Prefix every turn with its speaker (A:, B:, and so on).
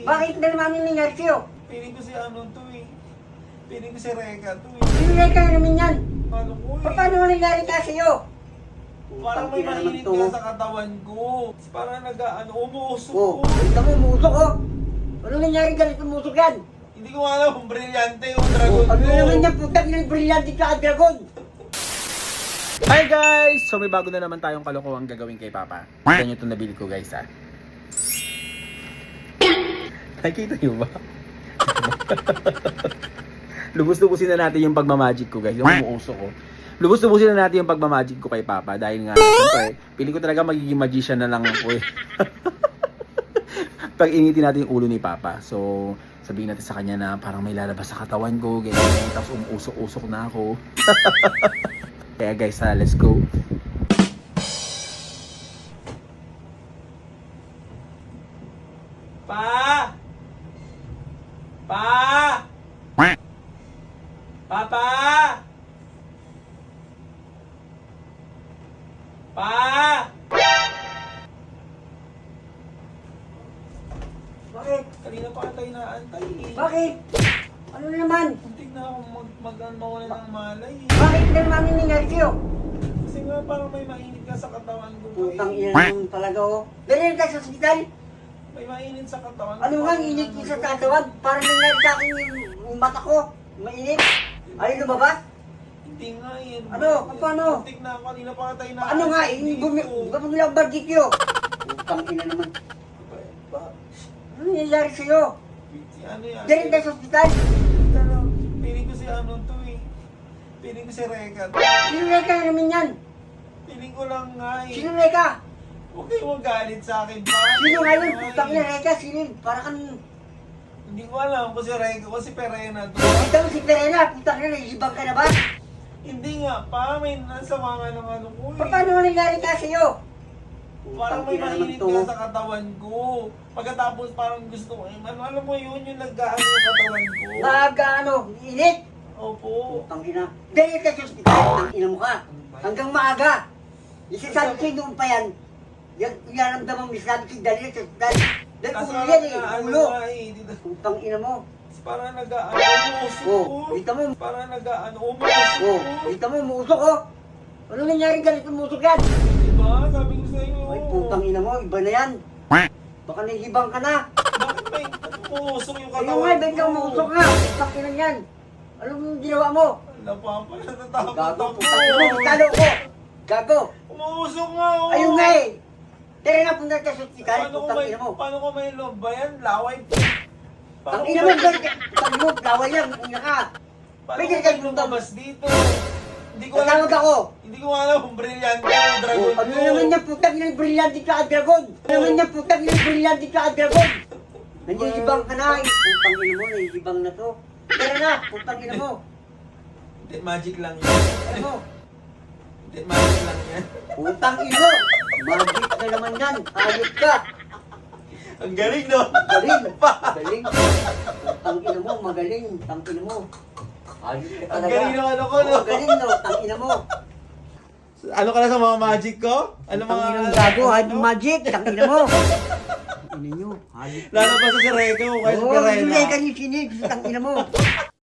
A: Bakit na naman nangyari sa'yo?
B: Piling ko si ano to eh. Piling ko si Reka to eh.
A: Sinunay ka na naman yan.
B: Ano ko eh.
A: Paano mo nangyari ka sa'yo?
B: Parang may mainit ka sa katawan ko. Parang umuusok
A: Oh,
B: ko.
A: kita mo, umusok oh. Ano nangyari galit umusok yan?
B: Hindi ko alam kung brilyante yung dragon
A: Ano
B: ko.
A: naman yan, putang yung brilyante ka, dragon?
C: Hi guys! So may bago na naman tayong kalokohang gagawin kay Papa. Kita nyo itong nabili ko guys ha. Nakikita nyo ba? Lubos-lubusin na natin yung pagmamagic ko guys. Yung umuusok ko. Lubos-lubusin na natin yung pagmamagic ko kay Papa. Dahil nga, siyempre, piling ko talaga magiging magician na lang ako eh. Pag initin natin yung ulo ni Papa. So, sabihin natin sa kanya na parang may lalabas sa katawan ko. Ganyan, tapos umuusok-usok na ako. Kaya guys, let's go.
B: Pa! Pa! Papa! Pa!
A: Bakit?
B: Kanina pa tayo naantay eh.
A: Bakit? Ano na naman?
B: Muntik na ako mawala ng malay eh.
A: Bakit na naman nangyari sa'yo?
B: Kasi nga parang may mainit ka sa katawan ko.
A: Putang
B: eh.
A: ina naman talaga oh. Ganyan ka sa ospital?
B: May mainit sa katawan ko.
A: Ano nga, init ko sa katawan? Parang nangyari sa akin yung mata ko. Mainit. Ay, lumabas?
B: Hindi nga eh.
A: Ano? Paano?
B: Muntik na ako. Kanina pa tayo naantay.
A: Ano nga, bumili ang barbecue. Putang ina naman. Ano nangyayari sa'yo?
B: Si ano yan?
A: Ganyan ka sa ospital?
B: Piling ko si ano to eh. Piling ko si Reka.
A: Sinunay ka na naman yan.
B: Piling ko lang nga eh.
A: Sinunay ka.
B: Huwag kayong magalit sa akin.
A: Sino nga yun? Putang ina, Reka, sino? Para kang...
B: Hindi ko alam kung si Reka o si Perena to.
A: Kita mo si Perena, putang ina, naisibang ka na ba?
B: Hindi nga, parang may nasama nga ng ano ko eh.
A: Paano mo nangyari ka sa'yo?
B: Parang may mainit ka sa katawan ko. Pagkatapos parang gusto ko, alam mo yun, yung nag-gaano yung katawan ko.
A: Maaga ano, init?
B: Opo.
A: Putang ina. Ganyan ka sa ospital, putang ina mo ka. Hanggang maaga. Isasabi sa'yo noon pa yan. Yung naramdaman mo, isasabi sa'yo dali sa ospital. Dahil
B: Kaso
A: ulo yan eh,
B: ano
A: ulo.
B: nga eh, dito.
A: Putang ina mo.
B: Parang umuusok ko.
A: Oh, kita mo.
B: Parang umuusok
A: Oh,
B: ko.
A: kita mo, umusok oh. Ano nangyari galit umusok yan?
B: Diba? Sabi ko sa'yo.
A: Ay, putang ina mo, iba na yan. Baka nahihibang ka na.
B: Bakit may umuusok yung
A: Ayun
B: katawan
A: nga, ba't ka umusok nga? Putang ina yan. Anong ginawa mo?
B: Wala pa pa, natatakot
A: Gago,
B: ako.
A: putang ina mo, talo ko. Gago.
B: Umuusok nga oh.
A: Ayun nga eh. Tara na, punta ka sa ospital, putang ina mo.
B: Paano ko may loob ba yan? Laway po.
A: Ang ina mo, galit ka. Putang ina mo, laway lang, ina ka.
B: Paano
A: Pwede
B: ko
A: ka
B: may lumabas dito? Hindi ko
A: Tatawag ako.
B: Hindi ko alam kung brilyante yung dragon
A: Oh, ano naman yan, putang ina, brilyante ka, dragon. Ano naman yan, putang ina, brilyante ka, dragon. Nangyayibang ka na, eh. Putang ina mo, nangyayibang na to. Tara na, putang ina mo.
B: Hindi, magic lang yan.
A: Ano mo?
B: Hindi, magic lang yan.
A: Putang ina mo. Magic na naman yan, hayop ka.
B: Ang galing, no?
A: Magaling, magaling. Putang ina mo, magaling, putang ina mo. Hayop ka
B: Ang
A: talaga.
B: galing ng ano ko, no?
A: Oh, galing no, tang ina mo.
B: Ano ka na sa mga magic ko? Ano
A: Tang
B: mga...
A: ina gago, hayop magic, tang ina mo. Ina nyo, hayop.
B: Lalabas sa si Reka o kaya si
A: Oh,
B: Perena.
A: hindi ka niyo sinig, tang ina mo.